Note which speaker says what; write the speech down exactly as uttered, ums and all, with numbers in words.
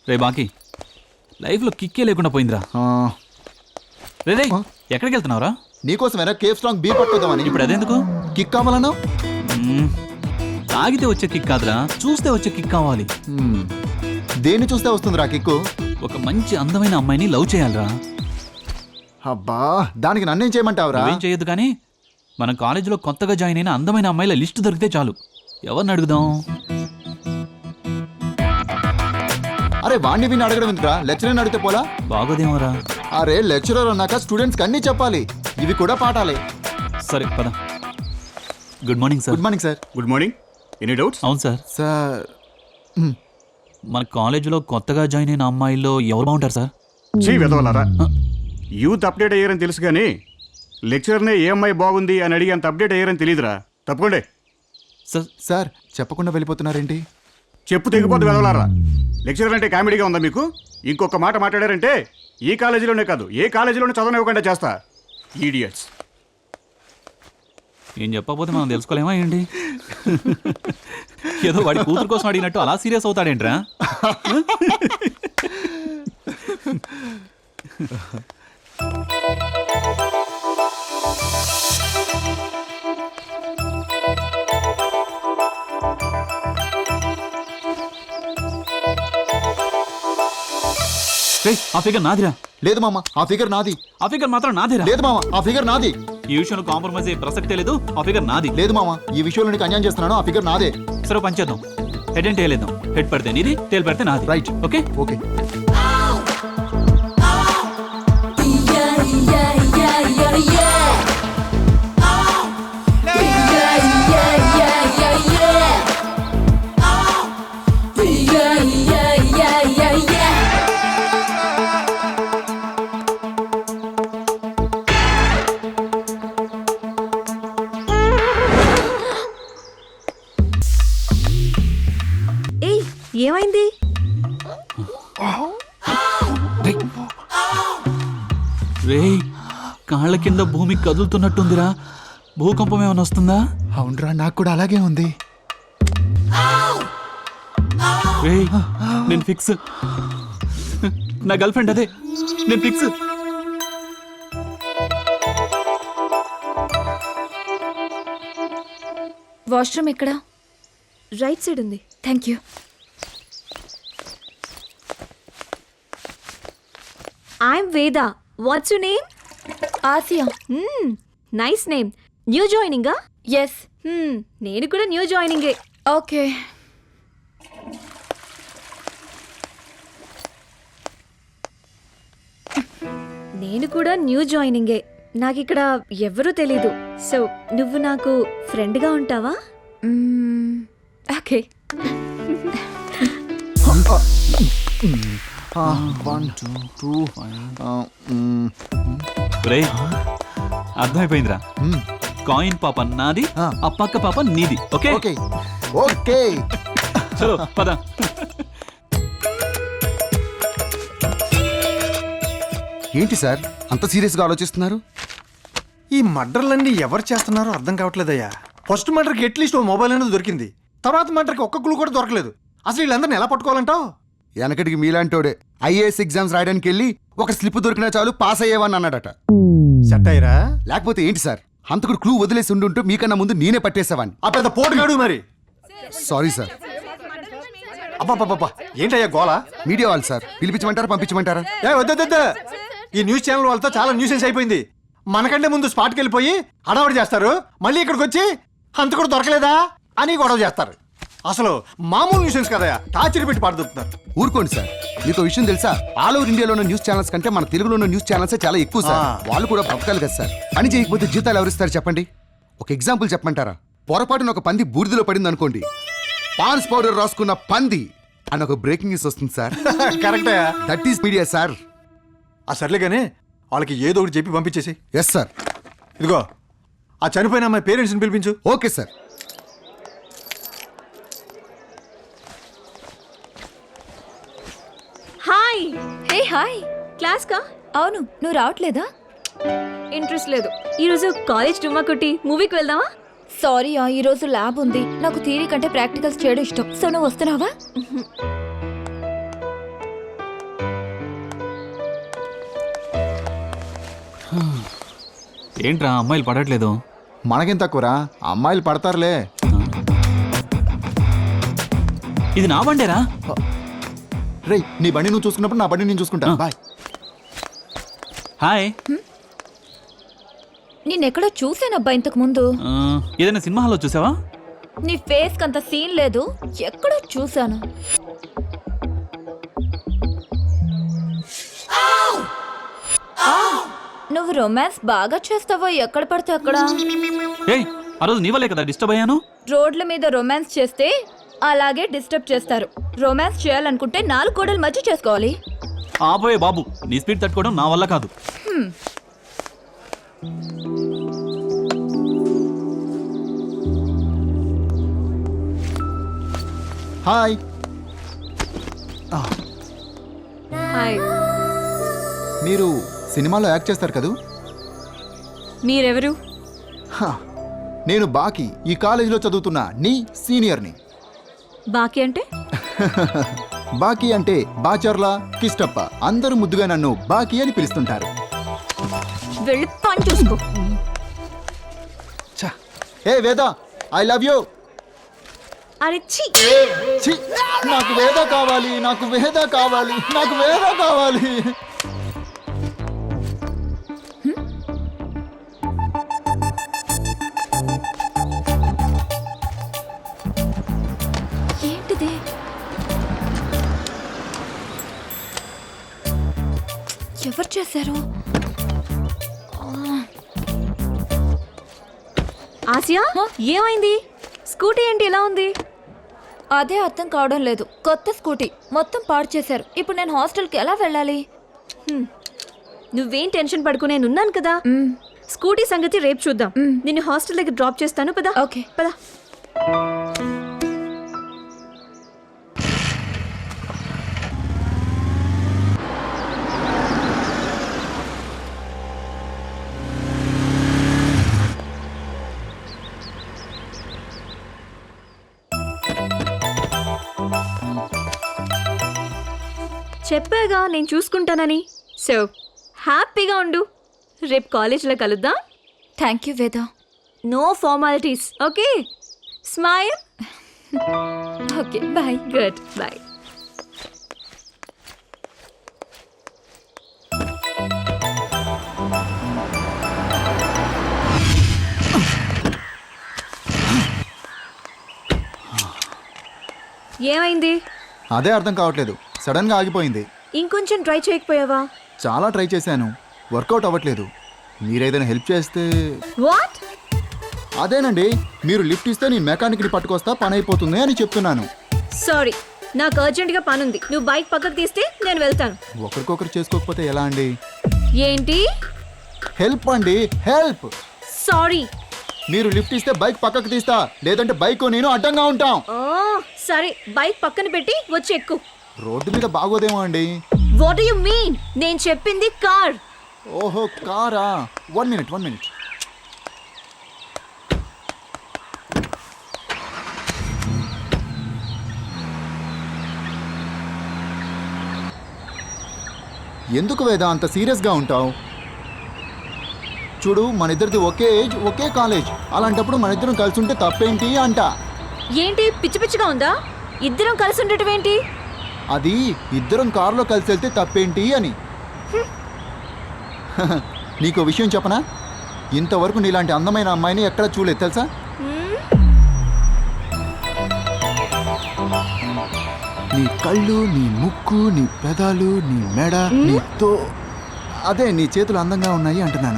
Speaker 1: రే బాకీ లైఫ్లో కిక్కే లేకుండా పోయిందిరా. రే రే ఎక్కడికి వెళ్తున్నావురా?
Speaker 2: నీకోసమేనా కేఫ్ స్ట్రాంగ్ బీ పట్టుకోదామని.
Speaker 1: ఇప్పుడు అదెందుకు?
Speaker 2: కిక్ కావాలన్నా?
Speaker 1: తాగితే వచ్చే కిక్ కాదురా, చూస్తే వచ్చే కిక్ కావాలి.
Speaker 2: దేన్ని చూస్తే వస్తుందిరా కిక్కు?
Speaker 1: ఒక మంచి అందమైన అమ్మాయిని లవ్ చేయాలరా.
Speaker 2: అబ్బా దానికి నన్నేం చేయమంటావురా?
Speaker 1: ఏం చేయొద్దు కానీ మన కాలేజీలో కొత్తగా జాయిన్ అయిన అందమైన అమ్మాయిల లిస్టు దొరికితే చాలు. ఎవరిని అడుగుదాం?
Speaker 2: అరే వాణ్ణి విని అడగడం ఎందుకురా, లెక్చరర్ని అడిగితే పోలా?
Speaker 1: బాగోదేమోరా.
Speaker 2: అరే లెక్చరర్ అన్నాక స్టూడెంట్స్కి అన్నీ చెప్పాలి, ఇవి కూడా పాఠాలే.
Speaker 1: సరే పద. Good morning sir.
Speaker 2: Good morning sir.
Speaker 3: Good morning. Any doubts?
Speaker 1: అవును సార్.
Speaker 2: సార్
Speaker 1: మన కాలేజీలో కొత్తగా జాయిన్ అయిన అమ్మాయిల్లో ఎవరు బాగుంటారు సార్?
Speaker 3: చీ వెదవలారా, యూత్ అప్డేట్ అయ్యారని తెలుసు కానీ లెక్చరర్నే ఏ అమ్మాయి బాగుంది అని అడిగి అంత అప్డేట్ అయ్యారని తెలియదురా. తప్పకుండా.
Speaker 1: సార్
Speaker 2: సార్ చెప్పకుండా వెళ్ళిపోతున్నారేంటి?
Speaker 3: చెప్పు తెగిపోద్దు వెదవలారా. లెక్చరర్ అంటే కామెడీగా ఉందా మీకు? ఇంకొక మాట మాట్లాడారంటే ఈ కాలేజీలోనే కాదు ఏ కాలేజీలోనే చదవనివ్వకుండా చేస్తా. ఈడియట్స్.
Speaker 1: ఏం చెప్పకపోతే మనం తెలుసుకోలేమా ఏంటి? ఏదో వాడి కూతురు కోసం అడిగినట్టు అలా సీరియస్ అవుతాడేంట్రా? ఆ ఫిగర్ నాదిరా.
Speaker 2: లేదు మామ ఆ ఫిగర్ నాది.
Speaker 1: ఆ ఫిగర్ మాత్రం నాదిరా.
Speaker 2: లేదు మామ ఆ ఫిగర్ నాది.
Speaker 1: ఈ విషయంలో కాంప్రమైజ్ అయ్యే ప్రసక్తే లేదు. ఆ ఫిగర్ నాది.
Speaker 2: లేదు మామ ఈ విషయంలో నీకు అన్యాయం చేస్తున్నాను, ఆ ఫిగర్ నాదే.
Speaker 1: సరే పంచేద్దాం. హెడ్ అండ్ టేల్ వేద్దాం. హెడ్ పడితే నీది, టేల్ పడితే నాది.
Speaker 2: రైట్.
Speaker 1: Okay
Speaker 2: okay.
Speaker 4: ఏమైంది?
Speaker 1: రే కాళ్ళ కింద భూమి కదులుతున్నట్టుందిరా. భూకంపం ఏమైనా వస్తుందా?
Speaker 2: అవునరా నాకు కూడా అలాగే ఉంది.
Speaker 1: రే నేను ఫిక్స్. నా గర్ల్ ఫ్రెండ్ అదే, నేను ఫిక్స్.
Speaker 4: వాష్రూమ్ ఎక్కడ? రైట్ సైడ్ ఉంది. Thank you. I'm Veda. What's your name? Aasiya. Nice name. New జాయినింగా? ఎస్. నేను కూడా న్యూ జాయినింగే. ఓకే. నేను కూడా న్యూ జాయినింగే. నాకు ఇక్కడ ఎవరూ తెలీదు. సో నువ్వు నాకు ఫ్రెండ్గా ఉంటావా? ఓకే.
Speaker 2: వన్ టూ టూ
Speaker 1: రే అర్థమైపోయిందిరా. కాయిన్ పాప నాది, ఆ పక్క పాప నీది. Okay
Speaker 2: okay okay.
Speaker 1: చలో పద.
Speaker 2: ఏంటి సార్ అంత సీరియస్గా ఆలోచిస్తున్నారు?
Speaker 5: ఈ మర్డర్లన్నీ ఎవరు చేస్తున్నారో అర్థం కావట్లేదయ్యా. ఫస్ట్ మర్డర్కి అట్లీస్ట్ ఓ మొబైల్ అనేది దొరికింది, తర్వాత మర్డర్కి ఒక్క క్లూ కూడా దొరకలేదు. అసలు వీళ్ళందరినీ ఎలా పట్టుకోవాలంటావు?
Speaker 2: వెనకటికి మీలాంటోడే ఐఏఎస్ ఎగ్జామ్స్ రాయడానికి వెళ్ళి ఒక స్లిప్ దొరికినా చాలు పాస్ అయ్యేవని అన్నాడట.
Speaker 5: సెట్ అయ్యరా?
Speaker 2: లేకపోతే ఏంటి సార్ హంతకుడు క్లూ వదిలేసి ఉండుంటూ మీకన్నా ముందు నేనే పట్టేసేవాడిని.
Speaker 5: ఆ పెద్ద పోటుగాడు మరి.
Speaker 2: Sorry sir.
Speaker 5: అబ్బాబ్బా ఏంటయ్యా గోలా?
Speaker 2: మీడియా వాళ్ళు సార్, పిలిపించమంటారా పంపించమంటారా?
Speaker 5: ఏ వద్ద, ఈ న్యూస్ ఛానల్ వాళ్ళతో చాలా న్యూసెన్స్ అయిపోయింది. మనకంటే ముందు స్పాట్కి వెళ్ళిపోయి హడావడి చేస్తారు, మళ్ళీ ఇక్కడికి వచ్చి హంతకుడు దొరకలేదా అని గొడవ చేస్తారు. అసలు మామూలు న్యూసెన్స్ కదయా, టార్చర్ పెట్టి పాడుతున్నారు.
Speaker 2: ఊరుకోండి సార్. మీకు విషయం తెలుసా, ఆల్ ఓవర్ ఇండియాలో ఉన్న న్యూస్ ఛానల్స్ కంటే మన తెలుగులో ఉన్న న్యూస్ ఛానల్స్ చాలా ఎక్కువ సార్. వాళ్ళు కూడా బతకాలి కదా సార్. పని చేయకపోతే జీతాలు ఎవరిస్తారు చెప్పండి? ఒక ఎగ్జాంపుల్ చెప్పమంటారా? పొరపాటున ఒక పంది బూడిదలో పడింది అనుకోండి, పాన్స్ పౌడర్ రాసుకున్న పంది అని ఒక బ్రేకింగ్ న్యూస్ వస్తుంది సార్.
Speaker 5: కరెక్టే.
Speaker 2: That is media sir.
Speaker 5: ఆ సర్లే కానీ వాళ్ళకి ఏదో ఒకటి చెప్పి పంపించేసి.
Speaker 2: Yes sir.
Speaker 5: ఇదిగో ఆ చనిపోయిన అమ్మాయి పేరెంట్స్ని పిలిపించు.
Speaker 2: Okay sir.
Speaker 4: Hi. Hey hi. Class కా?
Speaker 6: అవును, నువ్వు రావట్లేదా?
Speaker 4: ఇంట్రెస్ట్ లేదు. ఈరోజు కాలేజ్ డుమ్మా కొట్టి మూవీకి వెళ్దామా?
Speaker 6: సారీ, ఈ రోజు ల్యాబ్ ఉంది. నాకు థియరీ కంటే ప్రాక్టికల్స్ చేయడం ఇష్టం. సో నువ్వు వస్తున్నావా?
Speaker 1: ఏంట్రా అమ్మాయిలు పడట్లేదు?
Speaker 7: మనకేం తక్కువరా, అమ్మాయిలు పడతారులే.
Speaker 1: ఇది నా బండేరా.
Speaker 7: రేయ్, నీ బండి నువ్వు చూసుకున్నప్పుడు నా బండి నేను చూసుకుంటా.
Speaker 1: ఆ.
Speaker 7: బాయ్.
Speaker 1: హాయ్.
Speaker 6: నేనెక్కడో చూసానబ్బా ఇంతకు ముందు.
Speaker 1: ఆ, ఏదైనా సినిమా హాల్లో చూసావా?
Speaker 6: నీ ఫేస్ కంత సీన్ లేదు, ఎక్కడో చూసాను. ఆ, నువ్వు రొమాన్స్ బాగా చేస్తావో ఎక్కడ పడితే అక్కడ.
Speaker 1: ఏయ్, ఆ రోజు నీ వల్లే కదా డిస్టర్బ్ అయ్యాను.
Speaker 6: రోడ్ల మీద రొమాన్స్ చేస్తే అలాగే డిస్టర్బ్ చేస్తారు. రొమాన్స్ చేయాలనుకుంటే నాలుగు గోడల మధ్య చేసుకోవాలి.
Speaker 1: ఆపోయే బాబు, నీ స్పీడ్ తట్టుకోవడం నా వల్ల కాదు.
Speaker 7: హాయ్.
Speaker 4: హాయ్.
Speaker 7: మీరు సినిమాలో యాక్ట్ చేస్తారు కదూ?
Speaker 4: మీరెవరు?
Speaker 7: హా, నేను బాకీ, ఈ కాలేజీలో చదువుతున్న నీ సీనియర్ని.
Speaker 4: బాకీ అంటే?
Speaker 7: బాకీ అంటే బాచర్ల కిష్టప్ప, అందరూ ముద్దుగా నన్ను బాకీ అని పిలుస్తుంటారు.
Speaker 4: వెళ్ళి పని చూసుకో.
Speaker 7: ఛ, ఏ వేద, ఐ లవ్ యూ.
Speaker 4: అరే ఛీ.
Speaker 7: ఛీ, నాకు వేద కావాలి, నాకు వేద కావాలి, నాకు వేద కావాలి.
Speaker 6: ఏంటిది? ఎవరు చేశారు?
Speaker 4: ఆసియా, ఏమైంది? స్కూటీ ఏంటి ఎలా ఉంది?
Speaker 6: అదే అర్థం కావడం లేదు. కొత్త స్కూటీ మొత్తం పాడు చేశారు. ఇప్పుడు నేను హాస్టల్కి ఎలా వెళ్ళాలి?
Speaker 4: నువ్వేం టెన్షన్ పడుకో, నేను ఉన్నాను కదా.
Speaker 6: మ్,
Speaker 4: స్కూటీ సంగతి రేపు చూద్దాం. నిన్ను హాస్టల్ దగ్గర డ్రాప్ చేస్తాను. పదా.
Speaker 6: ఓకే.
Speaker 4: పదా. చెప్పాగా నేను చూసుకుంటానని. సో హ్యాపీగా ఉండు. రేపు కాలేజ్లో కలుద్దాం.
Speaker 6: Thank you Veda.
Speaker 4: No formalities. Okay, smile.
Speaker 6: Okay bye.
Speaker 4: Good, bye. ఏమైంది?
Speaker 7: అదే అర్థం కావట్లేదు, సడన్ గా ఆగిపోయింది.
Speaker 4: ఇంకొంచెం ట్రై చేయకపోయావా?
Speaker 7: చాలా ట్రై చేశాను, వర్కౌట్ అవ్వట్లేదు. మీరేదైనా హెల్ప్ చేస్తే.
Speaker 4: వాట్?
Speaker 7: అదేనండి, మీరు లిఫ్ట్ ఇస్తే నేను మెకానిక్ని పట్టుకొస్తా, పని అయిపోతుంది అని చెప్తున్నాను.
Speaker 4: సారీ, నాకు అర్జెంటుగా పనుంది. నువ్వు బైక్ పక్కకు తీస్తే నేను వెళ్తాను.
Speaker 7: ఒకరికొకరు చేసుకోకపోతే ఎలా అండి?
Speaker 4: ఏంటి?
Speaker 7: హెల్ప్ అండి, హెల్ప్.
Speaker 4: సారీ.
Speaker 7: మీరు లిఫ్ట్ ఇస్తే బైక్ పక్కకు తీస్తా, లేదంటే బైక్ నేను అడ్డంగా ఉంటాం.
Speaker 4: ఆ, సరే, బైక్ పక్కన పెట్టి వచ్చి ఎక్కు.
Speaker 7: రోడ్డు మీద బాగోదేమో అండి.
Speaker 4: What you mean? నేను చెప్పింది కార్.
Speaker 7: ఓహో, కారా. వన్ మినిట్ వన్ మినిట్ ఎందుకు వేద అంత సీరియస్గా ఉంటావు? చూడు, మన ఇద్దరిది ఒకే ఏజ్, ఒకే కాలేజ్. అలాంటప్పుడు మన ఇద్దరం కలిసి ఉంటే తప్పేంటి అంట.
Speaker 4: ఏంటి పిచ్చి పిచ్చిగా ఉందా? ఇద్దరం కలిసి ఉండటం ఏంటి?
Speaker 7: అది ఇద్దరం కారులో కలిసి వెళ్తే తప్పేంటి అని. నీకు విషయం చెప్పనా? ఇంతవరకు నీలాంటి అందమైన అమ్మాయిని ఎక్కడ చూడలేదు తెలుసా? నీ కళ్ళు, నీ ముక్కు, నీ పెదాలు, నీ మెడ, నీ తో అదే నీ చేతులు అందంగా ఉన్నాయి అంటున్నాను.